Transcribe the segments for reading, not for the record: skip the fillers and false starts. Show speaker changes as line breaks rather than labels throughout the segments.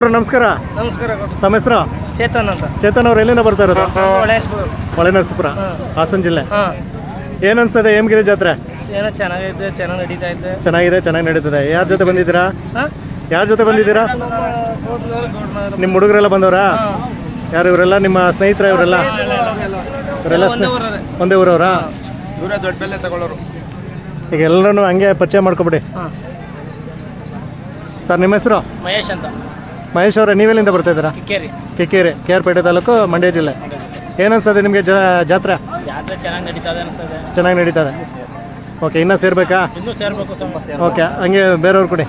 ನಮಸ್ಕಾರ.
ನಮಸ್ಕಾರ.
ತಮ್ಮ ಹೆಸರು?
ಚೇತನ್ ಅಂತ.
ಚೇತನ್ ಅವ್ರು ಎಲ್ಲಿಂದ ಬರ್ತಾ ಇರೋದು?
ಹೊಳೆನರಸೀಪುರ,
ಹಾಸನ ಜಿಲ್ಲೆ. ಏನ್ ಅನ್ಸ್ತದೆ ಹೇಮಗಿರಿ ಜಾತ್ರೆ?
ಏನೋ ಚೆನ್ನಾಗೈತೆ, ಚೆನ್ನಾಗಿ ನಡೀತಾ ಐತೆ.
ಚೆನ್ನಾಗಿ ನಡೀತದೆ. ಯಾರ ಜೊತೆ ಬಂದಿದ್ದೀರಾ? ನಿಮ್ಮ ಹುಡುಗರೆಲ್ಲ ಬಂದವರಾ? ಯಾರು ಇವರೆಲ್ಲ? ನಿಮ್ಮ ಸ್ನೇಹಿತರ ಇವರೆಲ್ಲ? ಒಂದೇ ಊರವರಾ?
ದೂರ ದೊಡ್ಡ ಬೆಲೆ ತಗೊಳ್ಳೋರು.
ಈಗ ಎಲ್ಲರೂ ಹಂಗೆ ಪರಿಚಯ ಮಾಡ್ಕೊಬಿಡಿ ಸರ್. ನಿಮ್ಮ ಹೆಸರು?
ಮಹೇಶ್ ಅಂತ.
ಮಹೇಶ್ ಅವರೇ, ನೀವೆಲ್ಲಿಂದ ಬರ್ತಾ ಇದ್ದೀರಾ? ಕಿಕ್ಕೇರಿ, KR ಪೇಟೆ ತಾಲೂಕು, ಮಂಡ್ಯ ಜಿಲ್ಲೆ. ಏನನ್ಸ್ತದೆ ನಿಮಗೆ ಜಾತ್ರೆ? ಚೆನ್ನಾಗಿ ನಡೀತದೆ. ಓಕೆ, ಇನ್ನೂ ಸೇರ್ಬೇಕಾ? ಓಕೆ, ಹಂಗೆ ಬೇರೆಯವ್ರು ಕೊಡಿ.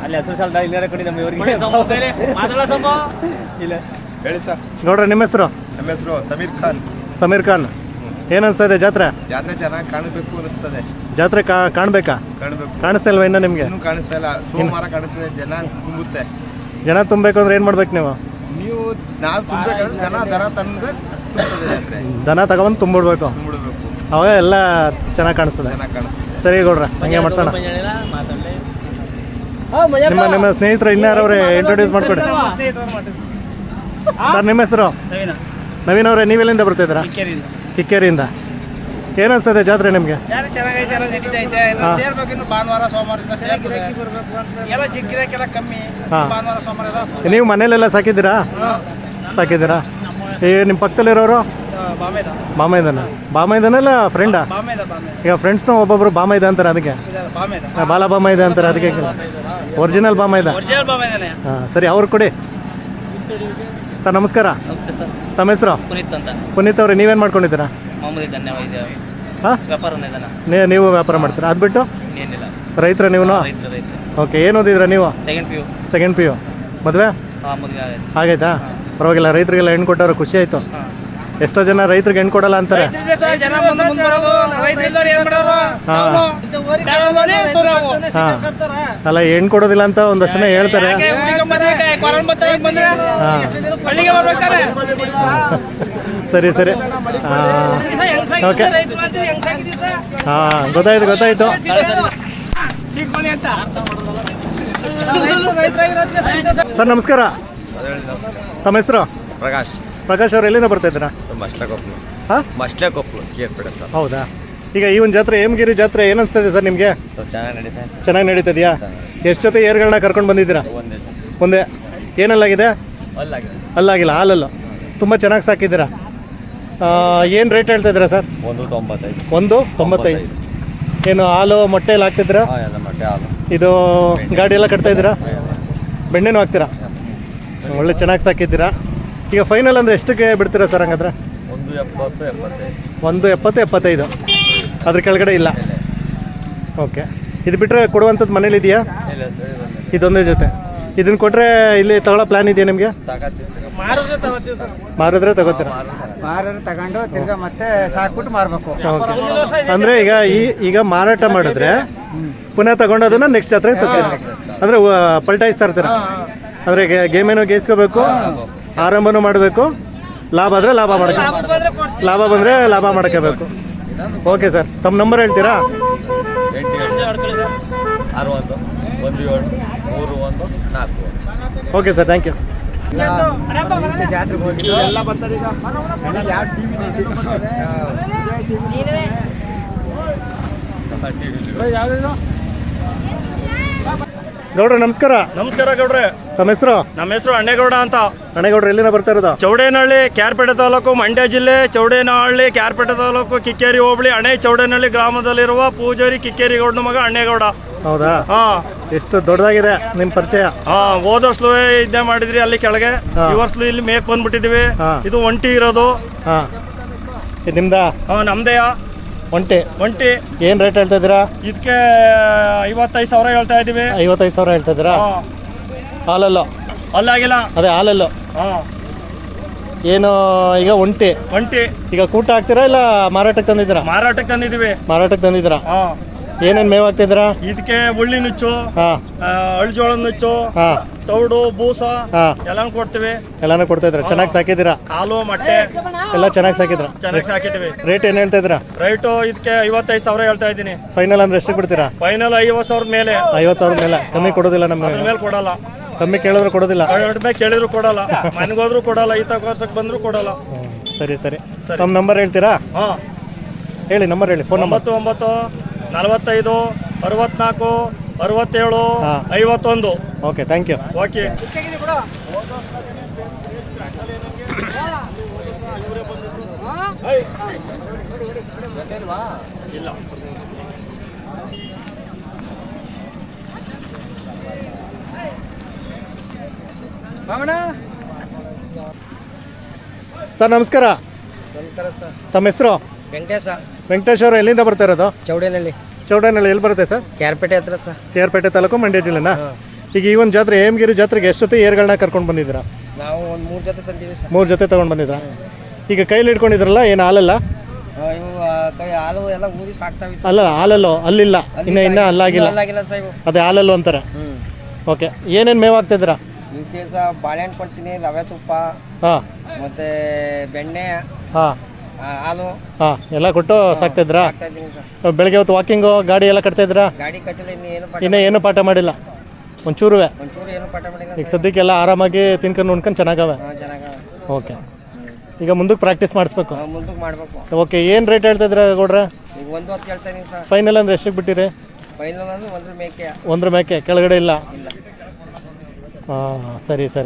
ಹೇಳಿ ಸರ್.
ನೋಡ್ರಿ, ನಿಮ್ಮ ಹೆಸರು?
ನಮ್ಮ ಹೆಸರು ಸಮೀರ್ ಖಾನ್.
ಏನನ್ಸ್ತದೆ ಜಾತ್ರೆ?
ಜಾತ್ರೆ ಚೆನ್ನಾಗಿ ಕಾಣಬೇಕು ಅನಿಸ್ತದೆ.
ಜಾತ್ರೆ ಕಾಣಬೇಕಾ? ಕಾಣಿಸ್ತಾ ಇಲ್ವಾ ಇನ್ನು ನಿಮಗೆ?
ಇನ್ನೂ ಕಾಣಿಸ್ತಾ ಇಲ್ಲ. ಸೋಮವಾರ ಕಾಣುತ್ತದೆ, ಜನ ತುಂಬುತ್ತೆ.
ಜನ ತುಂಬಬೇಕು ಅಂದ್ರೆ ಏನು ಮಾಡ್ಬೇಕು ನೀವು?
ನಾವು ತುಂಬಬೇಕಂದ್ರೆ ದನ ತಂದ್ರೆ ತುಂಬುತ್ತದೆ ಜಾತ್ರೆ.
ದನ ತಗೊಂಡು ತುಂಬಿಡ್ಬೇಕು, ಅವಾಗ ಎಲ್ಲ ಚೆನ್ನಾಗಿ ಕಾಣಿಸ್ತದೆ. ಸರಿ ಗೌಡ್ರ, ಹಂಗೆ ಮಾಡ್ಸೋಣ. ನಿಮ್ಮ ಸ್ನೇಹಿತರು ಇನ್ಯಾರವ್ರೆ ಇಂಟ್ರೊಡ್ಯೂಸ್ ಮಾಡ್ಕೊಡಿ ಸರ್. ನಿಮ್ಮ ಹೆಸರು? ನವೀನ್ ಅವರೇ, ನೀವೆಲ್ಲಿಂದ ಬರ್ತಿದ್ದೀರಾ? ಕಿಕ್ಕೇರಿಯಿಂದ. ಏನನ್ಸ್ತದೆ ಜಾತ್ರೆ ನಿಮಗೆ? ನೀವು ಮನೇಲೆಲ್ಲ ಸಾಕಿದ್ದೀರಾ? ನಿಮ್ಮ ಪಕ್ಕದಲ್ಲಿರೋರು? ಬಾಮೈದನಲ್ಲ ಫ್ರೆಂಡಾ? ಈಗ ಫ್ರೆಂಡ್ಸ್ನ ಒಬ್ಬೊಬ್ರು ಬಾಮೈದ ಅಂತಾರೆ, ಅದಕ್ಕೆ ಬಾಲ ಬಾಮೈದ ಅಂತಾರೆ, ಅದಕ್ಕೆ ಒರಿಜಿನಲ್ ಬಾಮೈದ. ಹಾಂ, ಸರಿ, ಅವ್ರು ಕೊಡಿ ಸರ್. ನಮಸ್ಕಾರ. ತಮ್ಮ ಹೆಸರು? ಪುನೀತ್ ಅವ್ರೆ, ನೀವೇನು ಮಾಡ್ಕೊಂಡಿದ್ದೀರಾ? ಹಾಂ, ನೀವು ವ್ಯಾಪಾರ ಮಾಡ್ತೀರಾ? ಅದು ಬಿಟ್ಟು ರೈತರ ನೀವು? ಓಕೆ, ಏನು ಓದಿದ್ರಾ ನೀವು? Second PU. ಮದುವೆ ಆಗೈತಾ? ಪರವಾಗಿಲ್ಲ. ರೈತರಿಗೆಲ್ಲ ಹೆಣ್ಣು ಕೊಟ್ಟವ್ರು ಖುಷಿ ಆಯಿತು. ಎಷ್ಟೋ ಜನ ರೈತರಿಗೆ ಹೆಣ್ಣು ಕೊಡಲ್ಲ ಅಂತಾರೆ. ಅಲ್ಲ, ಹೆಣ್ಣು ಕೊಡೋದಿಲ್ಲ ಅಂತ ಒಂದಷ್ಟು ಜನ ಹೇಳ್ತಾರೆ. ಸರಿ ಓಕೆ. ಗೊತ್ತಾಯ್ತು. ಸರ್ ನಮಸ್ಕಾರ. ತಮ್ಮ ಹೆಸರು? ಪ್ರಕಾಶ್ ಅವ್ರು, ಎಲ್ಲಿಂದ ಬರ್ತಾ ಇದ್ದೀರಾ? ಹೌದಾ? ಈಗ ಈ ಒಂದು ಜಾತ್ರೆ, ಹೇಮಗಿರಿ ಜಾತ್ರೆ, ಏನನ್ಸ್ತದೆ ಸರ್ ನಿಮಗೆ? ಚೆನ್ನಾಗಿ ನಡೀತದೆಯಾ? ಎಷ್ಟು ಜೊತೆ ಏರ್ಗಳನ್ನ ಕರ್ಕೊಂಡು ಬಂದಿದ್ದೀರಾ? ಒಂದೇ. ಏನಲ್ಲಾಗಿದೆ? ಅಲ್ಲಾಗಿಲ್ಲ, ಹಾಲಲ್ಲು. ತುಂಬ ಚೆನ್ನಾಗಿ ಸಾಕಿದ್ದೀರಾ. ಏನು ರೇಟ್ ಹೇಳ್ತಾ ಇದ್ದೀರಾ ಸರ್? 1.95. ಏನು ಹಾಲು ಮೊಟ್ಟೆ ಎಲ್ಲ ಹಾಕ್ತಿದ್ದೀರಾ? ಇದು ಗಾಡಿ ಎಲ್ಲ ಕಟ್ತಾ ಇದ್ದೀರಾ? ಬೆಣ್ಣೆನೂ ಹಾಕ್ತೀರಾ? ಒಳ್ಳೆ ಚೆನ್ನಾಗಿ ಸಾಕಿದ್ದೀರಾ. ಈಗ ಫೈನಲ್ ಅಂದರೆ ಎಷ್ಟಕ್ಕೆ ಬಿಡ್ತೀರಾ ಸರ್ ಹಂಗಾದ್ರೆ? 1.70-75. ಅದ್ರ ಕೆಳಗಡೆ ಇಲ್ಲ? ಓಕೆ. ಇದು ಬಿಟ್ಟರೆ ಕೊಡುವಂಥದ್ದು ಮನೇಲಿ ಇದೆಯಾ? ಇದೊಂದೇ ಜೊತೆ. ಇದನ್ನು ಕೊಟ್ಟರೆ ಇಲ್ಲಿ ತಗೊಳ್ಳೋ ಪ್ಲ್ಯಾನ್ ಇದೆಯಾ ನಿಮಗೆ? ಮಾರಿದ್ರೆ ತಗೋತೀರಾ?
ತಗೊಂಡು ತಿರ್ಗಾ ಮತ್ತೆ ಸಾಕ್ಬಿಟ್ಟು ಮಾರಬೇಕು.
ಅಂದರೆ ಈಗ ಮಾರಾಟ ಮಾಡಿದ್ರೆ ಪುನಃ ತಗೊಂಡು ಅದನ್ನು ನೆಕ್ಸ್ಟ್ ಜಾತ್ರೆ ತರ್ತೀರಾ? ಅಂದರೆ ಪಲ್ಟಾಯಿಸ್ತಾ ಇರ್ತೀರಾ? ಅಂದರೆ ಗೇಮೇನೋ ಗೇಯಿಸ್ಕೋಬೇಕು, ಆರಂಭನೂ ಮಾಡಬೇಕು, ಲಾಭ ಆದರೆ ಲಾಭ ಬಂದರೆ ಲಾಭ ಮಾಡ್ಕೋಬೇಕು. ಓಕೆ ಸರ್, ತಮ್ಮ ನಂಬರ್ ಹೇಳ್ತೀರಾ?
871731
ಓಕೆ ಸರ್, ಥ್ಯಾಂಕ್ ಯು.
ಜಾತ್ರೆಗೆ ಹೋಗಿ ಎಲ್ಲ ಬರ್ತಾರೆ. ಈಗ ಯಾವ
ಗೌಡ್ರೆ ನಮಸ್ಕಾರ.
ಗೌಡ್ರೆ.
ತಮ್ಮ ಹೆಸರು?
ನಮ್ಮ ಹೆಸರು ಅಣ್ಣೇಗೌಡ ಅಂತ.
ಅಣ್ಣೇಗೌಡ್ರು, ಎಲ್ಲಿಂದ ಬರ್ತಾ ಇರೋದು?
ಚೌಡೇನಹಳ್ಳಿ, KR ಪೇಟೆ ತಾಲೂಕು, ಮಂಡ್ಯ ಜಿಲ್ಲೆ. ಚೌಡೇನಹಳ್ಳಿ, KR ಪೇಟೆ ತಾಲೂಕು, ಕಿಕ್ಕೇರಿ ಹೋಬಳಿ, ಅಣೆ ಚೌಡೇನಹಳ್ಳಿ ಗ್ರಾಮದಲ್ಲಿರುವ ಪೂಜಾರಿ ಕಿಕ್ಕೇರಿ ಗೌಡನ ಮಗ ಅಣ್ಣೇಗೌಡ.
ಹೌದಾ? ಎಷ್ಟು ದೊಡ್ಡದಾಗಿದೆ ನಿಮ್ಮ ಪರಿಚಯ?
ಹೋದ ವರ್ಷ ಇದ್ದೇ ಮಾಡಿದ್ರಿ ಅಲ್ಲಿ ಕೆಳಗೆ. ಈ ವರ್ಷ ಇಲ್ಲಿ ಮೇಕ್ ಬಂದ್ಬಿಟ್ಟಿದೀವಿ. ಇದು ಒಂಟಿ ಇರೋದು.
ಇದು ನಿಮ್ದಾ?
ನಮ್ದೇ.
ಒಂಟಿ. ಏನು ರೇಟ್ ಹೇಳ್ತಾ ಇದ್ದೀರಾ?
ಇದಕ್ಕೆ 55,000 ಹೇಳ್ತಾ ಇದೀವಿ.
55,000 ಹೇಳ್ತಾ ಇದ್ದೀರಾ? ಹಾಲಲ್ಲೋ?
ಅಲ್ಲಾಗಿಲ್ಲ,
ಅದೇ ಹಾಲಲ್ಲೋ. ಏನು ಈಗ ಒಂಟಿ ಈಗ ಕೂಟ ಹಾಕ್ತೀರಾ ಇಲ್ಲ ಮಾರಾಟಕ್ಕೆ ತಂದಿದ್ದೀರಾ? ಮಾರಾಟಕ್ಕೆ ತಂದಿದ್ದೀರಾ. ಏನೇನು ಮೇವು ಹಾಕ್ತಿದ್ದೀರಾ?
ಇದಕ್ಕೆ ಉಳ್ಳಿ ನುಚ್ಚು, ಅಳ್ಜೋಳದ ನುಚ್ಚು, ತೌಡು, ಬೂಸ ಎಲ್ಲಾನು ಕೊಡ್ತೀವಿ.
ಎಲ್ಲಾನು ಕೊಡ್ತಾ ಇದ್ದೀರಾ? ಚೆನ್ನಾಗಿ ಸಾಕಿದ್ದೀರಾ?
ಹಾಲು ಮೊಟ್ಟೆ
ಎಲ್ಲ ಚೆನ್ನಾಗಿ ಸಾಕಿದ್ದೀರಾ?
ಚೆನ್ನಾಗಿ ಸಾಕಿದ್ದೀವಿ.
ರೇಟ್ ಏನು ಹೇಳ್ತಾ ಇದ್ದೀರಾ?
ರೈಟು ಇದಕ್ಕೆ 55,000 ಹೇಳ್ತಾ ಇದ್ದೀನಿ.
ಫೈನಲ್ ಅಂದ್ರೆ ಎಷ್ಟು ಕೊಡ್ತೀರಾ?
ಫೈನಲ್ 50,000 ಮೇಲೆ.
50,000 ಮೇಲೆ. ಕಮ್ಮಿ ಕೊಡೋದಿಲ್ಲ? ನಮ್ಮ
ಮೇಲೆ ಕೊಡಲ್ಲ.
ಕಮ್ಮಿ ಕೇಳಿದ್ರು ಕೊಡೋದಿಲ್ಲ.
ಕಡಿಮೆ ಕೇಳಿದ್ರು ಕೊಡಲ್ಲ, ಮನೆಗೆ ಹೋದ್ರು ಕೊಡಲ್ಲ, ಈತ ವರ್ಷಕ್ಕೆ ಬಂದ್ರು ಕೊಡಲ್ಲ.
ಸರಿ ಸರಿ. ತಮ್ಮ ನಂಬರ್ ಹೇಳ್ತೀರಾ?
ಹಾಂ
ಹೇಳಿ, ನಂಬರ್ ಹೇಳಿ. ಫೋನ್ ನಂಬರ್
99 45 64 67
ಹಾ.
51.
Okay, thank you.
ಓಕೆ. ಇಲ್ಲ
ಸರ್ ನಮಸ್ಕಾರ.
ನಮಸ್ಕಾರ ಸರ್.
ತಮ್ಮ ಹೆಸರು?
ವೆಂಕಟೇಶ.
ವೆಂಕಟೇಶ್ ಅವರು ಎಲ್ಲಿಂದ ಬರ್ತಾ ಇರೋದು?
ಚೌಡೇನಹಳ್ಳಿ.
ಚೌಡೇನಹಳ್ಳಿ ಎಲ್ಲಿ ಬರುತ್ತೆ ಸರ್?
ಕ್ಯಾರ್ಪೇಟೆ ಹತ್ರ ಸರ್.
KR ಪೇಟೆ ತಾಲೂಕು, ಮಂಡ್ಯ ಜಿಲ್ಲೆನಾ? ಈಗ ಈ ಒಂದು ಜಾತ್ರೆ, ಹೇಮಗಿರಿ ಜಾತ್ರೆಗೆ ಎಷ್ಟು ಜೊತೆ ಏರ್ಗಳನ್ನ ಕರ್ಕೊಂಡು ಬಂದಿದ್ದೀರಾ?
ನಾವು ಒಂದು 3 ಜೊತೆ ತಂದೀವಿ ಸರ್.
3 ಜೊತೆ ತೊಗೊಂಡು ಬಂದಿದ್ರಾ? ಈಗ ಕೈಲಿ ಇಟ್ಕೊಂಡಿದ್ರಲ್ಲ, ಏನು ಹಾಲಲ್ಲ?
ಇವು ಕೈ ಹಾಲು ಎಲ್ಲ ಊರಿ ಸಾಕ್ತಾವೆ ಸರ್.
ಅಲ್ಲ, ಹಾಲಲ್ಲೋ ಅಲ್ಲಿಲ್ಲ, ಇನ್ನ ಅಲ್ಲಾಗಿಲ್ಲ.
ಅಲ್ಲಾಗಿಲ್ಲ ಸರ್ ಇವು.
ಅದೇ ಹಾಲಲ್ಲು ಅಂತಾರೆ. ಓಕೆ, ಏನೇನು ಮೇವು ಹಾಕ್ತಿದ್ದೀರಾ?
ಇವಕ್ಕೆ ಬಾಳೆಹಣ್ಣು ಕೊಡ್ತೀನಿ, ರವೆ ತುಪ್ಪ,
ಹಾಂ,
ಮತ್ತೆ ಬೆಣ್ಣೆ,
ಹಾಂ
ಹಾಲು
ಹಾಂ ಎಲ್ಲ ಕೊಟ್ಟು ಸಾಕ್ತಿದ್ರಾ?
ಹಾಕ್ತಾ ಇದ್ದೀನಿ ಸರ್.
ಬೆಳಗ್ಗೆ ಹೊತ್ತು ವಾಕಿಂಗು, ಗಾಡಿ ಎಲ್ಲ ಕಟ್ತಾಯಿದ್ರಾ?
ಗಾಡಿ ಕಟ್ಟಿಲ್ಲ,
ಇನ್ನೂ ಏನು ಪಾಠ ಮಾಡಿಲ್ಲ ಒಂಚೂರು?
ಒಂಚೂರು ಏನು ಪಾಠ ಮಾಡಿಲ್ಲ
ಈಗ ಸದ್ಯಕ್ಕೆಲ್ಲ ಆರಾಮಾಗಿ ತಿನ್ಕೊಂಡು ಉಣ್ಕೊಂಡು ಚೆನ್ನಾಗವೆ.
ಚೆನ್ನಾಗ.
ಓಕೆ, ಈಗ ಮುಂದಕ್ಕೆ ಪ್ರಾಕ್ಟೀಸ್ ಮಾಡಿಸ್ಬೇಕು.
ಮುಂದಕ್ಕೆ ಮಾಡಬೇಕು.
ಓಕೆ, ಏನು ರೇಟ್ ಹೇಳ್ತಾ ಇದ್ದೀರಾ ಗೌಡ್ರೆ?
ಈಗ 1 ಹೊತ್ತು ಹೇಳ್ತಾ ಇದೀನಿ ಸರ್.
ಫೈನಲ್ ಅಂದರೆ ಎಷ್ಟಕ್ಕೆ ಬಿಟ್ಟಿರಿ?
ಫೈನಲ್ ಅಂದ್ರೆ 1 ಮೇಕೆ.
1 ಮೇಕೆ ಕೆಳಗಡೆ ಇಲ್ಲ?
ಇಲ್ಲ.
ಹಾಂ, ಸರಿ ಸರಿ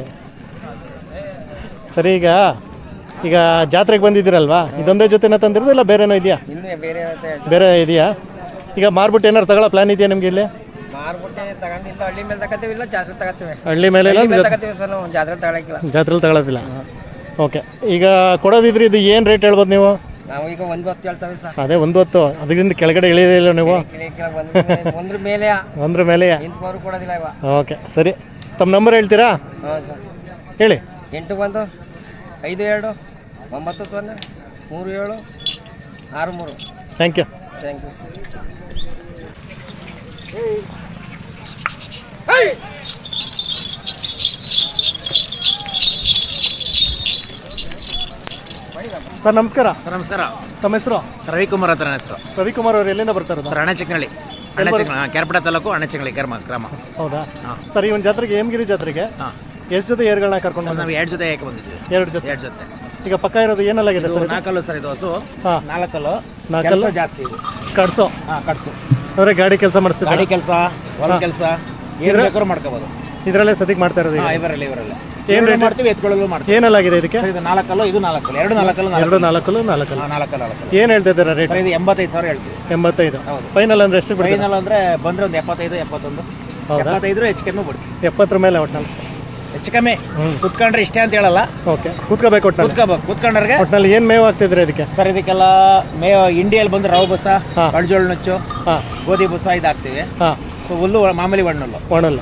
ಸರಿ. ಈಗ ಜಾತ್ರೆಗೆ ಬಂದಿದ್ದೀರಲ್ವಾ, ಇದೊಂದೇ ಜೊತೆನ ತಂದಿರೋದು ಇಲ್ಲ ಬೇರೆನೋ ಇದೆಯಾ?
ಇನ್ನೂ ಬೇರೆ ವ್ಯವಸಾಯ
ಬೇರೆ ಇದೆಯಾ? ಈಗ ಮಾರ್ಬಿಟ್ಟು ಏನಾರು ತಗೊಳ್ಳೋ ಪ್ಲಾನ್ ಇದೆಯಾ ನಿಮ್ಗೆ? ಇಲ್ಲಿ
ಮಾರ್ಬಿಟ್ಟೆ ತಗೊಂಡಿಲ್ಲ, ಹಳ್ಳಿ ಮೇಲೆ ತಗೋತೀವಿ, ಇಲ್ಲ ಜಾತ್ರೆ ತಗೋತೀವಿ.
ಹಳ್ಳಿ ಮೇಲೆ
ತಗೋತೀವಿ ಸರ್, ನಾವು ಜಾತ್ರೆ ತಗೊಳಕಿಲ್ಲ.
ಜಾತ್ರೆಲಿ ತಗೊಳ್ಳೋದಿಲ್ಲ. ಓಕೆ, ಈಗ ಕೊಡೋದಿದ್ರೆ ಇದು ಏನು ರೇಟ್ ಹೇಳ್ಬೋದು ನೀವು?
ನಾವು ಈಗ 1 ಹೊತ್ತು ಹೇಳ್ತೇವೆ ಸರ್.
ಅದೇ 1 ಹೊತ್ತು, ಅದರಿಂದ ಕೆಳಗಡೆ ಇಳಿಯೋದಿಲ್ಲ ನೀವು?
ಒಂದ್ರ ಮೇಲೆ
1 ಮೇಲೆ
ಇಂಥವ್ರು ಕೊಡೋದಿಲ್ಲ ಇವ.
ಓಕೆ, ಸರಿ. ತಮ್ಮ ನಂಬರ್ ಹೇಳ್ತೀರಾ?
ಹಾಂ ಸರ್,
ಹೇಳಿ.
81 52 90 37 63.
Thank you.
Thank you sir.
Sir ನಮಸ್ಕಾರ.
ಸರ್ ನಮಸ್ಕಾರ.
ತಮ್ಮ ಹೆಸರು?
ಸರ್ ರವಿಕುಮಾರ್ ಅಂತ ನನ್ನ ಹೆಸರು.
ರವಿಕುಮಾರ್ ಅವರು ಎಲ್ಲಿಂದ ಬರ್ತಾ ಇರೋದು?
ಸರ್ ಅಣಚಿಕ್ನಳ್ಳಿ, ಕ್ಯಾರ್ಪೇಟೆ ತಾಲೂಕು ಅಣಚಿಕ್ನಳ್ಳಿ ಗ್ರಾಮ.
ಹೌದಾ? ಸರ್, ಈ ಒಂದು ಜಾತ್ರೆಗೆ, ಹೇಮಗಿರಿ ಜಾತ್ರೆಗೆ
ಹಾಂ,
ಎಷ್ಟು ಜೊತೆ ಏರ್ಗಳನ್ನ ಕರ್ಕೊಂಡು
ನಾವು 2 ಜೊತೆ ಯಾಕೆ ಬಂದಿದ್ವಿ?
2 ಜೊತೆ.
2 ಜೊತೆ.
ಈಗ ಪಕ್ಕ ಇರೋದು ಏನಲ್ಲಾಗಿದೆ ಸರ್?
4 ಕಲ್ಲು ಸರ್ ಇದು ಹಸು.
ಹಾಂ,
4 ಕಲ್ಲು.
4 ಕಲ್ಲು
ಜಾಸ್ತಿ ಇದು.
ಕಟ್ಸೋ?
ಹಾಂ, ಕಟ್ಸು.
ಅಂದರೆ ಗಾಡಿ ಕೆಲಸ ಮಾಡಿಸ್ತೀವಿ?
ಗಾಡಿ ಕೆಲಸ, ಹೊಲ ಕೆಲಸ, ಏನು ಬೇಕಾದ್ರೂ ಮಾಡ್ಕೋಬೋದು.
ಇದರಲ್ಲೇ ಸದ್ಯಕ್ಕೆ ಮಾಡ್ತಾ ಇರೋದು?
ಹಾಂ, ಇವರಲ್ಲಿ
ಏನು ರೇಟ್
ಮಾಡ್ತೀವಿ, ಎತ್ಕೊಳ್ಳಲು ಮಾಡ್ತೀವಿ.
ಏನಲ್ಲಾಗಿದೆ ಇದಕ್ಕೆ?
ಸರ್ ಇದು 4 ಕಲ್ಲು, ಇದು 4 ಕಲ್ಲು, 2 4 ಕಲ್ಲು.
2 4 ಕಲ್ಲು 4 ಕಲ್ಲು.
4 ಕಲ್ಲು.
ಏನು ಹೇಳ್ತಾ ಇದ್ದೀರಾ ರೇಟ್?
ಸರ್ ಇದು 85,000 ಹೇಳ್ತೀವಿ.
85.
ಹೌದು.
ಫೈನಲ್ ಅಂದರೆ ಎಷ್ಟು ಬಿಡ್ತೀರಾ?
ಫೈನಲ್ ಅಂದರೆ ಬಂದರೆ ಒಂದು 75 71.
ಹೌದಾ?
75 ಹೆಚ್ಚು ಕಮ್ಮಿ ಬಿಡ್ತೀವಿ.
70 ಮೇಲೆ ಒಟ್ಟಿನಲ್ಲಿ
ಹೆಚ್ಚು ಕಮ್ಮಿ. ಕುತ್ಕೊಂಡ್ರೆ ಇಷ್ಟೇ ಅಂತ ಹೇಳಲ್ಲ.
ಓಕೆ, ಕೂತ್ಕೋಬೇಕು ಒಟ್ಟಿನಲ್ಲಿ.
ಕುತ್ಕೊಂಡ್ರೆ
ಒಟ್ಟಿನಲ್ಲಿ ಏನು ಮೇವು ಹಾಕ್ತಿದ್ರೆ ಇದಕ್ಕೆ?
ಸರ್ ಇದಕ್ಕೆಲ್ಲ ಇಂಡಿಯಲ್ಲಿ ಬಂದು ರವೆ ಬಸ, ಕಡ್ಜೋಳ ನುಚ್ಚು,
ಹಾಂ,
ಗೋಧಿ ಬಸ ಇದು ಹಾಕ್ತೀವಿ.
ಹಾಂ.
ಸೊ ಹುಲ್ಲು ಮಾಮೂಲಿ ಒಣ್ಣಲ್ಲು.
ಒಣಲ್ಲು.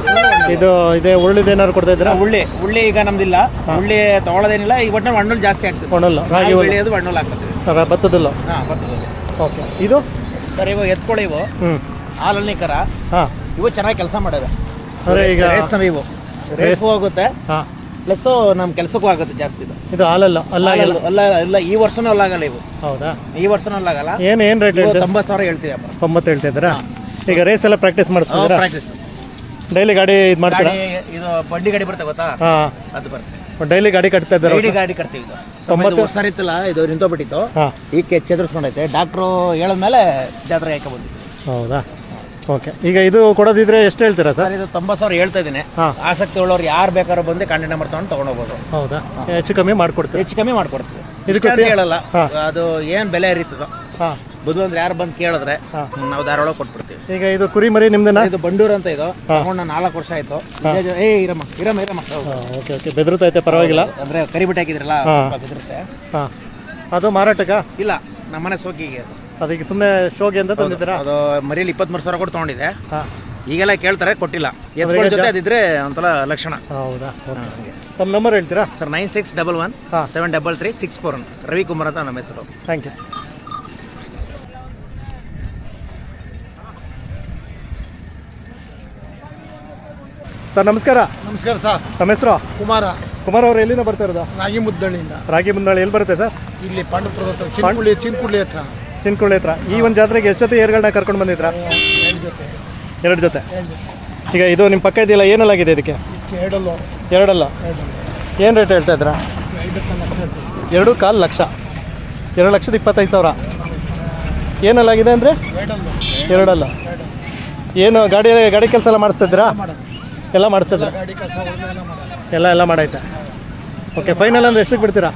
ಇದು
ಇದೇ ಉರುಳಿದೇನಾದ್ರು ಕೊಡ್ತಾ ಇದ್ದೀರಾ?
ಉಳ್ಳಿ ಈಗ ನಮ್ದಿಲ್ಲ, ಉಳ್ಳಿ ತಗೊಳ್ಳೋದೇನಿಲ್ಲ. ಈ ಒಟ್ಟಿನಲ್ಲಿ ಒಣ್ಣಲ್ ಜಾಸ್ತಿ ಆಗ್ತದೆ.
ಒಣಲ್ಲು, ರಾಗಿ
ಬೆಳೆಯೋದು ಒಣ್ಣಲ್ ಹಾಕ್ತೀವಿ.
ಭತ್ತದಲ್ಲು?
ಹಾಂ, ಭತ್ತದಲ್ಲಿ.
ಓಕೆ. ಇದು
ಸರ್ ಇವು ಎತ್ಕೊಳ್ಳಿ, ಇವು ಹಾಲಲ್ಲಿ ಕರ.
ಹಾಂ,
ಇವು ಚೆನ್ನಾಗಿ ಕೆಲಸ ಮಾಡೋದು.
ಅಂದರೆ ಈಗ
ರೇಸ್ ಇವು ರೇಸ್ಗೂ ಹೋಗುತ್ತೆ,
ಹಾಂ,
ಪ್ಲಸ್ ನಮ್ಮ ಕೆಲಸಕ್ಕೂ ಆಗುತ್ತೆ ಜಾಸ್ತಿ.
ಇದು ಹಾಲಲ್ಲ? ಅಲ್ಲಾಗಲ್ಲ?
ಅಲ್ಲ, ಈ ವರ್ಷನೂ ಅಲ್ಲಾಗಲ್ಲ ಇವು.
ಹೌದಾ?
ಈ ವರ್ಷನೂ ಅಲ್ಲಾಗಲ್ಲ.
ಏನು ರೇಟ್?
90,000 ಹೇಳ್ತೀವಿ.
90 ಹೇಳ್ತಾ ಇದ್ದೀರಾ? ಈಗ ರೇಸ್ ಎಲ್ಲ ಪ್ರಾಕ್ಟೀಸ್ ಮಾಡ್ತಿದ್ದೀರಾ?
ಪ್ರಾಕ್ಟೀಸ್
ಡೈಲಿ ಗಾಡಿ ಇದು ಮಾಡ್ತೀರಾ?
ಇದು ಬಂಡಿ ಗಾಡಿ ಬರುತ್ತೆ ಗೊತ್ತಾ?
ಹಾಂ,
ಅದು ಬರುತ್ತೆ.
ಡೈಲಿ ಗಾಡಿ ಕಟ್ತಾ ಇದ್ದಾರೆ?
ಡೈಲಿ ಗಾಡಿ ಕಟ್ತೀವಿ. ಇದು 90 ವರ್ಷ ಇತ್ತಲ್ಲ, ಇದು ನಿಂತೋಗ್ಬಿಟ್ಟಿತ್ತು.
ಹಾಂ,
ಈಗ ಚೆದರ್ಸ್ಕೊಂಡೈತೆ. ಡಾಕ್ಟ್ರು ಹೇಳಿದ್ಮೇಲೆ ಜಾತ್ರೆ ಯಾಕೆ ಬಂದಿದ್ವಿ.
ಹೌದಾ? ಓಕೆ. ಈಗ ಇದು ಕೊಡೋದಿದ್ರೆ ಎಷ್ಟು ಹೇಳ್ತೀರಾ ಸರ್?
ಸರ್ ಇದು 90,000 ಹೇಳ್ತಾ ಇದ್ದೀನಿ.
ಹಾಂ,
ಆಸಕ್ತಿ ಉಳ್ಳವ್ರು ಯಾರು ಬೇಕಾದ್ರೂ ಬಂದು ಕಾಂಟ್ಯಾಕ್ಟ್ ನಂಬರ್ ತಗೊಂಡು ತೊಗೊಂಡೋಗ್ಬೋದು.
ಹೌದಾ? ಹೆಚ್ಚು ಕಮ್ಮಿ ಮಾಡ್ಕೊಡ್ತೀವಿ?
ಹೆಚ್ಚು ಕಮ್ಮಿ ಮಾಡ್ಕೊಡ್ತೀವಿ.
ಇದಕ್ಕೆ
ಇದಕ್ಕೆ ಹೇಳಲ್ಲ,
ಹಾಂ,
ಅದು ಏನು ಬೆಲೆ ಇರ್ತದೋ.
ಹಾಂ,
ಬುದು ಅಂದ್ರೆ ಯಾರು ಬಂದು ಕೇಳಿದ್ರೆ
ಹಾಂ,
ನಾವು ಧಾರವಾಡ ಕೊಟ್ಬಿಡ್ತೀವಿ.
ಈಗ ಇದು ಕುರಿ ಮರಿ ನಿಮ್ದೇನಾ?
ಇದು ಬಂಡೂರು ಅಂತ. ಇದು
ಹಾಂ,
ತಗೊಂಡು 4 ವರ್ಷ ಆಯ್ತು. ಇರಮ್ಮ.
Okay okay. ಬೆದರುತ್ತೈತೆ, ಪರವಾಗಿಲ್ಲ.
ಅಂದ್ರೆ ಕರಿಬಿಟ್ಟು ಹಾಕಿದ್ರಲ್ಲ,
ಹಾಂ,
ಸ್ವಲ್ಪ ಬೆದರುತ್ತೆ.
ಹಾಂ. ಅದು ಮಾರಾಟಕ್ಕ?
ಇಲ್ಲ, ನಮ್ಮನೆ ಸೋಕಿಗೆ ಅದು.
ಅದಕ್ಕೆ ಸುಮ್ಮನೆ ಶೋಗೆ ಅಂತ ತಂದಿದ್ದೀರಾ?
ಅದು ಮರಿಯಲ್ಲಿ 23,000 ಕೊಟ್ಟು ತೊಗೊಂಡಿದ್ದೆ.
ಹಾಂ,
ಈಗೆಲ್ಲ ಕೇಳ್ತಾರೆ, ಕೊಟ್ಟಿಲ್ಲ. ಎತ್ಕೊಳ್ಳೋ ಜೊತೆ ಅದಿದ್ರೆ ಒಂಥರ ಲಕ್ಷಣ.
ಹೌದಾ? ತಮ್ಮ ನಂಬರ್ ಹೇಳ್ತೀರಾ?
ಸರ್ 9611 733 641. ರವಿಕುಮಾರ್ ಅಂತ ನಮ್ಮ ಹೆಸರು.
Thank you. ಸರ್ ನಮಸ್ಕಾರ.
ನಮಸ್ಕಾರ ಸರ್.
ತಮ್ಮ ಹೆಸರು?
ಕುಮಾರ.
ಕುಮಾರ್ ಅವರು ಎಲ್ಲಿಂದ ಬರ್ತಾ ಇರೋದು?
ರಾಗಿ ಮುದ್ದಳ್ಳಿಯಿಂದ.
ರಾಗಿ ಮುಂದಾಳಿ ಎಲ್ಲಿ ಬರುತ್ತೆ ಸರ್?
ಇಲ್ಲಿ ಪಾಂಡುಪುರದ ಹತ್ರ, ಚಿನ್ಕುಳ್ಳಿ ಹತ್ರ.
ಚಿನ್ಕುಳ್ಳಿ ಹತ್ರ. ಈ ಒಂದು ಜಾತ್ರೆಗೆ ಎಷ್ಟು ಜೊತೆ ಏರ್ಗಳನ್ನ ಕರ್ಕೊಂಡು ಬಂದಿದ್ರಾ?
2 ಜೊತೆ.
2 ಜೊತೆ. ಈಗ ಇದು ನಿಮ್ಮ ಪಕ್ಕ ಇದೆಯಲ್ಲ, ಏನಲ್ಲಾಗಿದೆ ಇದಕ್ಕೆ? ಎರಡಲ್ಲ ಏನು ರೇಟ್ ಹೇಳ್ತಾ ಇದ್ದೀರಾ? 2.25 ಲಕ್ಷ. 2,25,000. ಏನಲ್ಲಾಗಿದೆ ಅಂದರೆ ಎರಡಲ್ಲ. ಏನು ಗಾಡಿ ಕೆಲಸ ಎಲ್ಲ ಮಾಡಿಸ್ತಿದ್ದೀರಾ? ಎಲ್ಲ ಮಾಡಿಸ್ತಿದ್ದೀರಾ? ಎಲ್ಲ ಮಾಡೈತೆ. ಓಕೆ, ಫೈನಲ್ ಅಂದರೆ ಎಷ್ಟಕ್ಕೆ ಬಿಡ್ತೀರಾ?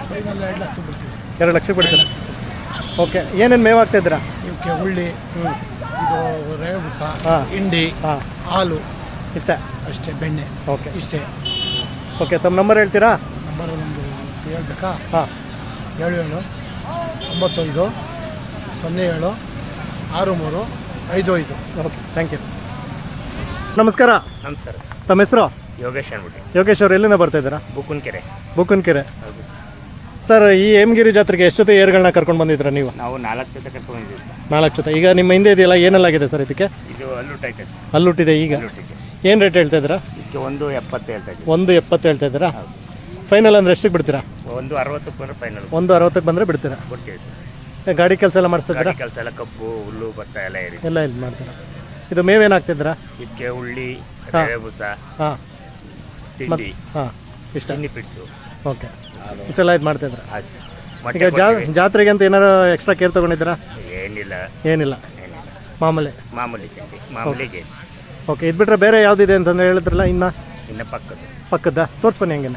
2 ಲಕ್ಷಕ್ಕೆ ಬಿಡ್ತೀರಾ? ಓಕೆ, ಏನೇನು ಮೇವು ಹಾಕ್ತಾಯಿದ್ದೀರಾ?
ಇವಕ್ಕೆ ಹುಳ್ಳಿ, ಇದು ರೇಬುಸ,
ಹಾಂ,
ಹಿಂಡಿ,
ಹಾಂ,
ಹಾಲು
ಇಷ್ಟೇ
ಅಷ್ಟೇ, ಬೆಣ್ಣೆ
ಓಕೆ.
ಇಷ್ಟೇ.
ಓಕೆ, ತಮ್ಮ ನಂಬರ್ ಹೇಳ್ತೀರಾ?
ನಂಬರು ನಮ್ಮದು ಹೇಳ್ಬೇಕಾ?
ಹಾಂ,
77 95 07 63 55.
Okay, thank you. ನಮಸ್ಕಾರ.
ನಮಸ್ಕಾರ ಸರ್.
ತಮ್ಮ ಹೆಸರು?
ಯೋಗೇಶ್ ಅಂದ್ಬಿಟ್ಟು
ಯೋಗೇಶ್ ಅವರು ಎಲ್ಲಿಂದ ಬರ್ತಾ ಇದ್ದೀರಾ?
ಬುಕ್ಕುನ್ಕೆರೆ.
ಬುಕ್ಕುನ್ಕೆರೆ.
ಹೌದು ಸರ್.
ಸರ್, ಈ ಹೇಮಗಿರಿ ಜಾತ್ರೆಗೆ ಎಷ್ಟು ಜೊತೆ ಏರ್ಗಳನ್ನ ಕರ್ಕೊಂಡು ಬಂದಿದ್ದೀರಾ ನೀವು?
ನಾವು 4 ಜೊತೆ ಕರ್ಕೊಂಡಿದ್ದೀವಿ ಸರ್.
4 ಜೊತೆ. ಈಗ ನಿಮ್ಮ ಹಿಂದೆ ಇದೆಯಲ್ಲ, ಏನಲ್ಲಾಗಿದೆ ಸರ್ ಇದಕ್ಕೆ?
ಇದು ಅಲ್ಲುಟ್ಟೈತೆ ಸರ್.
ಅಲ್ಲುಟ್ಟಿದೆ. ಈಗ
ಅಲ್ಲುಟ್ಟಿದೆ.
ಏನು ರೇಟ್ ಹೇಳ್ತಾ ಇದ್ದೀರಾ?
ಇದಕ್ಕೆ 1.70 ಹೇಳ್ತಾ ಇದ್ದೀವಿ.
1.70 ಹೇಳ್ತಾ ಇದ್ದೀರಾ? ಫೈನಲ್ ಅಂದರೆ ಎಷ್ಟಕ್ಕೆ ಬಿಡ್ತೀರಾ?
1.60 ಬಂದರೆ ಫೈನಲ್
1.60 ಬಂದರೆ ಬಿಡ್ತೀರಾ?
ಕೊಡ್ತೀವಿ ಸರ್.
ಗಾಡಿ ಕೆಲಸ ಎಲ್ಲ ಮಾಡಿಸ್ತಿದ್ದೀರಾ?
ಗಾಡಿ ಕೆಲಸ ಎಲ್ಲ ಕಬ್ಬು, ಹುಲ್ಲು, ಭತ್ತ ಎಲ್ಲ ಇರುತ್ತೆ.
ಎಲ್ಲ ಇದು ಮಾಡ್ತೀರಾ? ಇದು ಮೇವೇನಾಗ್ತಿದ್ದೀರಾ?
ಇದಕ್ಕೆ ಹುಳ್ಳಿ,
ಹಾಂ.
ರೇಬುಸ,
ಹಾಂ,
ತಿಂಡಿ,
ಹಾಂ, ಇಷ್ಟ.
ಚಿನ್ನಿ ಪಿಡ್ಸು.
ಓಕೆ, ಇಷ್ಟೆಲ್ಲ ಇದು ಮಾಡ್ತಿದ್ದೀರಾ?
ಆಯ್ತು ಸರ್.
ಈಗ
ಮೊಟ್ಟೆ
ಜಾತ್ರೆಗೆ ಅಂತ ಏನಾರು ಎಕ್ಸ್ಟ್ರಾ ಕೇರ್ ತೊಗೊಂಡಿದ್ದೀರಾ?
ಏನಿಲ್ಲ,
ಏನಿಲ್ಲ, ಮಾಮೂಲಿ.
ಮಾಮೂಲಿ ತಿಂಡಿ, ಮಾಮೂಲಿಗೆ.
ಓಕೆ, ಇದು ಬಿಟ್ಟರೆ ಬೇರೆ ಯಾವುದಿದೆ ಅಂತಂದ್ರೆ ಹೇಳಿದ್ರಲ್ಲ, ಇನ್ನು
ಇನ್ನು ಪಕ್ಕದ್ದು
ಪಕ್ಕದ ತೋರಿಸ್ಬನ್ನಿ ಹಂಗೇನೆ.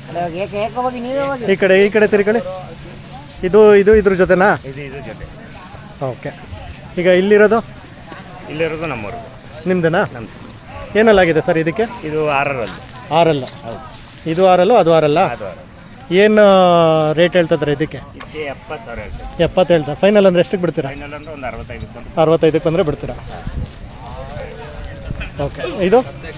ಈ ಕಡೆ ತಿರುಗಳಿ. ಇದು ಇದ್ರ ಜೊತೆನಾ?
ಇದು ಜೊತೆ.
ಓಕೆ, ಈಗ ಇಲ್ಲಿರೋದು
ಇಲ್ಲಿರೋದು ನಮ್ಮೂರು.
ನಿಮ್ದೇನಾ?
ನಮ್ದು.
ಏನಲ್ಲಾಗಿದೆ ಸರ್ ಇದಕ್ಕೆ?
ಇದು 6
ಆರಲ್ಲ.
ಹೌದು.
ಇದು 6 ಅದು 6
ಅದು 6.
ಏನು ರೇಟ್ ಹೇಳ್ತಿದ್ರೆ ಇದಕ್ಕೆ?
ಇದಕ್ಕೆ 70,000 ಹೇಳ್ತಾರೆ.
70 ಹೇಳ್ತಾ. ಫೈನಲ್ ಅಂದರೆ ಎಷ್ಟಕ್ಕೆ ಬಿಡ್ತೀರಾ?
ಫೈನಲ್ ಅಂದ್ರೆ ಒಂದು 65 ಬಂದು
65ಕ್ಕೆ ಬಂದರೆ ಬಿಡ್ತೀರಾ? ಓಕೆ, ಇದು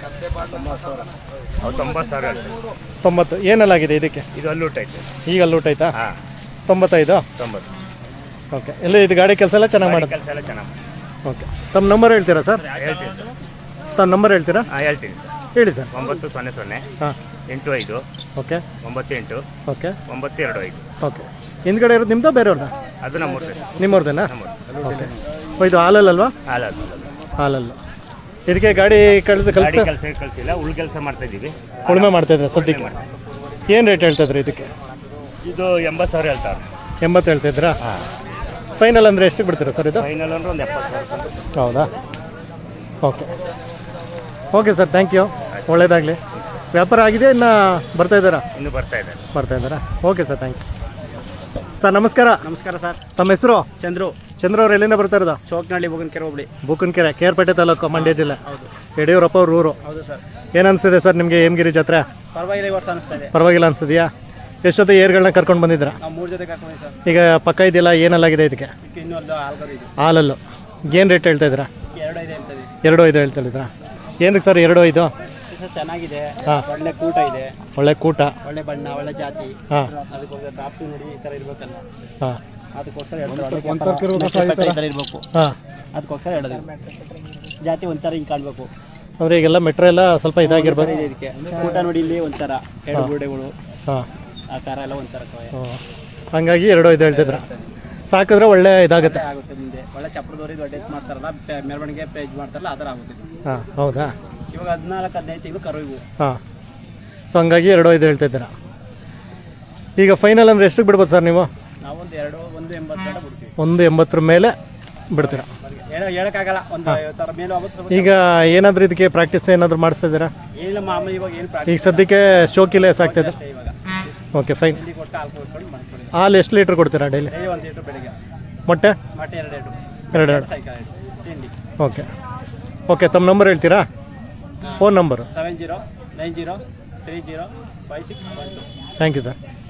ಅವು 90,000 ಹೇಳ್ತಾರೆ.
90. ಏನಲ್ಲಾಗಿದೆ ಇದಕ್ಕೆ?
ಇದು ಅಲ್ಲುಟ್ಟೈತೆ.
ಈಗ ಅಲ್ಲಿ ಊಟ ಆಯ್ತಾ?
ಹಾಂ,
95.
90.
ಓಕೆ, ಎಲ್ಲ ಇದು ಗಾಡಿ ಕೆಲಸ ಎಲ್ಲ ಚೆನ್ನಾಗಿ ಮಾಡುತ್ತೆ.
ಕೆಲಸ ಎಲ್ಲ ಚೆನ್ನಾಗಿ
ಓಕೆ, ತಮ್ಮ ನಂಬರ್ ಹೇಳ್ತೀರಾ ಸರ್?
ಹೇಳ್ತೀನಿ ಸರ್.
ತಮ್ಮ ನಂಬರ್ ಹೇಳ್ತೀರಾ?
ಹಾಂ, ಹೇಳ್ತೀನಿ ಸರ್.
ಹೇಳಿ ಸರ್.
900
ಹಾಂ,
85
ಓಕೆ,
98
ಓಕೆ,
925.
ಓಕೆ. ಹಿಂದ್ಗಡೆ ಇರೋದು ನಿಮ್ದು ಬೇರೆಯವ್ರದ್ದು?
ಅದು ನಮ್ಮೂರು ಸರ್.
ನಿಮ್ಮವ್ರದ್ದೇನಾ?
ನಮ್ಮೂರು.
ಓಕೆ. ಇದು ಹಾಲಲ್ಲಲ್ವಾ?
ಹಾಲಲ್ಲ.
ಹಾಲಲ್ಲ. ಇದಕ್ಕೆ ಗಾಡಿ
ಗಾಡಿ
ಕಳಿಸ್ತಾ
ಕೆಲಸ ಕಳಿಸಿಲ್ಲ, ಉಳ್ ಕೆಲಸ ಮಾಡ್ತಾ ಇದ್ದೀವಿ.
ಉಳುಮೆ ಮಾಡ್ತಾಯಿದ್ರೆ ಸದ್ಯಕ್ಕೆ ಏನು ರೇಟ್ ಹೇಳ್ತಾಯಿದ್ರಿ ಇದಕ್ಕೆ?
ಇದು 80,000 ಹೇಳ್ತಾರೆ.
80 ಹೇಳ್ತಾಯಿದ್ರಾ?
ಹಾಂ.
ಫೈನಲ್ ಅಂದರೆ ಎಷ್ಟಕ್ಕೆ ಬಿಡ್ತೀರಾ ಸರ್ ಇದು?
ಫೈನಲ್ ಅಂದ್ರೆ ಒಂದು 70,000.
ಹೌದಾ? Okay, okay sir, thank you. ಒಳ್ಳೇದಾಗಲಿ. ವ್ಯಾಪಾರ ಆಗಿದೆ, ಇನ್ನು ಬರ್ತಾ ಇದ್ದಾರಾ?
ಇನ್ನು ಬರ್ತಾ ಇದ್ದಾರೆ.
Okay sir, thank you. Sir, ನಮಸ್ಕಾರ.
ನಮಸ್ಕಾರ ಸರ್.
ತಮ್ಮ ಹೆಸರು?
ಚಂದ್ರು.
ಚಂದ್ರ ಅವ್ರು ಎಲ್ಲಿಂದ ಬರ್ತಾ ಇರೋದು?
ಚೋಕ್ನಹಳ್ಳಿ ಬುಗನ್ಕೆರೆ ಹೋಬಳಿ.
ಬುಕ್ಕನಕೆರೆ, ಕೇರ್ಪೇಟೆ ತಾಲೂಕು, ಮಂಡ್ಯ ಜಿಲ್ಲೆ.
ಹೌದು.
ಯಡಿಯೂರಪ್ಪ ಅವ್ರ ಊರು.
ಹೌದು ಸರ್.
ಏನು ಅನಿಸ್ತಿದೆ ಸರ್ ನಿಮಗೆ ಹೇಮಗಿರಿ ಜಾತ್ರೆ?
ಪರವಾಗಿಲ್ಲ, ಈ ವರ್ಷ ಅನಿಸ್ತಾ ಇದೆ.
ಪರವಾಗಿಲ್ಲ ಅನಿಸ್ತಿದೆಯಾ? ಎಷ್ಟೊತ್ತು ಏರ್ಗಳನ್ನ ಕರ್ಕೊಂಡು ಬಂದಿದ್ದೀರಾ?
ನಾವು 3 ಜೊತೆ ಕರ್ಕೊಂಡಿ ಸರ್.
ಈಗ ಪಕ್ಕ ಇದೆಯಲ್ಲ, ಏನಲ್ಲಾಗಿದೆ ಇದಕ್ಕೆ?
ಇದಕ್ಕೆ ಇನ್ನೂ ಒಂದು ಆಲ್ಗರ್ ಇದು.
ಹಾಲಲ್ಲು ಏನು ರೇಟ್ ಹೇಳ್ತಾ ಇದ್ದೀರಾ?
2.5 ಹೇಳ್ತದೆ.
2.5 ಹೇಳ್ತಾ ಇದ್ದೀರಾ? ಏನಕ್ಕೆ ಸರ್ 2.5?
ಸರ್ ಚೆನ್ನಾಗಿದೆ.
ಹಾಂ,
ಒಳ್ಳೆ ಕೂಟ ಇದೆ.
ಒಳ್ಳೆ ಕೂಟ.
ಒಳ್ಳೆ ಬಣ್ಣ, ಒಳ್ಳೆ ಜಾತಿ.
ಹಾಂ,
ಅದಕ್ಕೋಸ್ಕರ ಟಾಪ್ ನೋಡಿ ಈ ಥರ ಇರ್ಬೇಕಲ್ಲ.
ಹಾಂ,
ಅದಕ್ಕೋಸ್ಕರ ಇರಬೇಕು.
ಹಾಂ.
ಅದಕ್ಕೋಸ್ಕರ ಹೇಳೋದು. ಜಾತಿ ಒಂಥರ ಹಿಂಗೆ ಕಾಣಬೇಕು.
ಅಂದರೆ ಈಗೆಲ್ಲ ಮೆಟ್ರೋ ಎಲ್ಲ ಸ್ವಲ್ಪ ಇದಾಗಿರ್ಬೇಕು.
ಇದಕ್ಕೆ ಕೂಟ ನೋಡಿ, ಇಲ್ಲಿ ಒಂಥರ 2 ಗೋಡೆಗಳು,
ಹಾಂ,
ಆ ಥರ ಎಲ್ಲ ಒಂಥರ
ಹಂಗಾಗಿ 2.5 ಹೇಳ್ತಿದ್ರ. ಸಾಕಿದ್ರೆ ಒಳ್ಳೆ ಇದಾಗುತ್ತೆ.
ಆಗುತ್ತೆ. ಮುಂದೆ ಒಳ್ಳೆ ಚಪ್ಪರದವ್ರಿ ದೊಡ್ಡ ಎತ್ತು ಮಾಡ್ತಾರಲ್ಲ, ಮೆರವಣಿಗೆ ಪೇಜ್ ಮಾಡ್ತಾರಲ್ಲ, ಆ ಥರ ಆಗುತ್ತೆ.
ಹಾಂ, ಹೌದಾ?
ಇವಾಗ 14-15 ತಿಂಗಳು ಕರು ಇವು.
ಹಾಂ, ಸೊ ಹಂಗಾಗಿ 2.5 ಹೇಳ್ತಿದ್ದೀರಾ. ಈಗ ಫೈನಲ್ ಅಂದರೆ ಎಷ್ಟಕ್ಕೆ ಬಿಡ್ಬೋದು ಸರ್ ನೀವು?
ನಾವು ಒಂದು 1.80 ಗಂಟೆ ಬಿಡ್ತೀವಿ.
1.80 ಮೇಲೆ ಬಿಡ್ತೀರಾ?
ಹೇಳೋಕ್ಕಾಗಲ್ಲ. ಒಂದು 50,000 ಮೇಲೆ ಆಗುತ್ತೆ.
ಈಗ ಏನಾದರೂ ಇದಕ್ಕೆ ಪ್ರಾಕ್ಟೀಸ್ ಏನಾದರೂ ಮಾಡಿಸ್ತಾ ಇದ್ದೀರಾ?
ಏನಿಲ್ಲ ಮಾಮೂಲಿ. ಇವಾಗ ಏನು
ಈಗ ಸದ್ಯಕ್ಕೆ ಶೋಕಿಲೆ ಸಾಕ್ತಿದೆ.
ಅಷ್ಟೇ ಇವಾಗ.
Okay, fine.
ಇಲ್ಲಿ ಕೊಟ್ಟು ಹಾಲು ಕೊಟ್ಕೊಂಡು ಮಾಡ್ಕೊಳ್ಳಿ.
ಹಾಲು ಎಷ್ಟು ಲೀಟ್ರ್ ಕೊಡ್ತೀರಾ ಡೈಲಿ?
1 ಲೀಟ್ರ್ ಬೆಳಿಗ್ಗೆ.
ಮೊಟ್ಟೆ?
ಮೊಟ್ಟೆ 2
2
ಸಾಯಂಕಾಲ ತಿಂಡಿ.
Okay, okay. ತಮ್ಮ ನಂಬರ್ ಹೇಳ್ತೀರಾ? Phone number?
7090305612.
Thank you sir.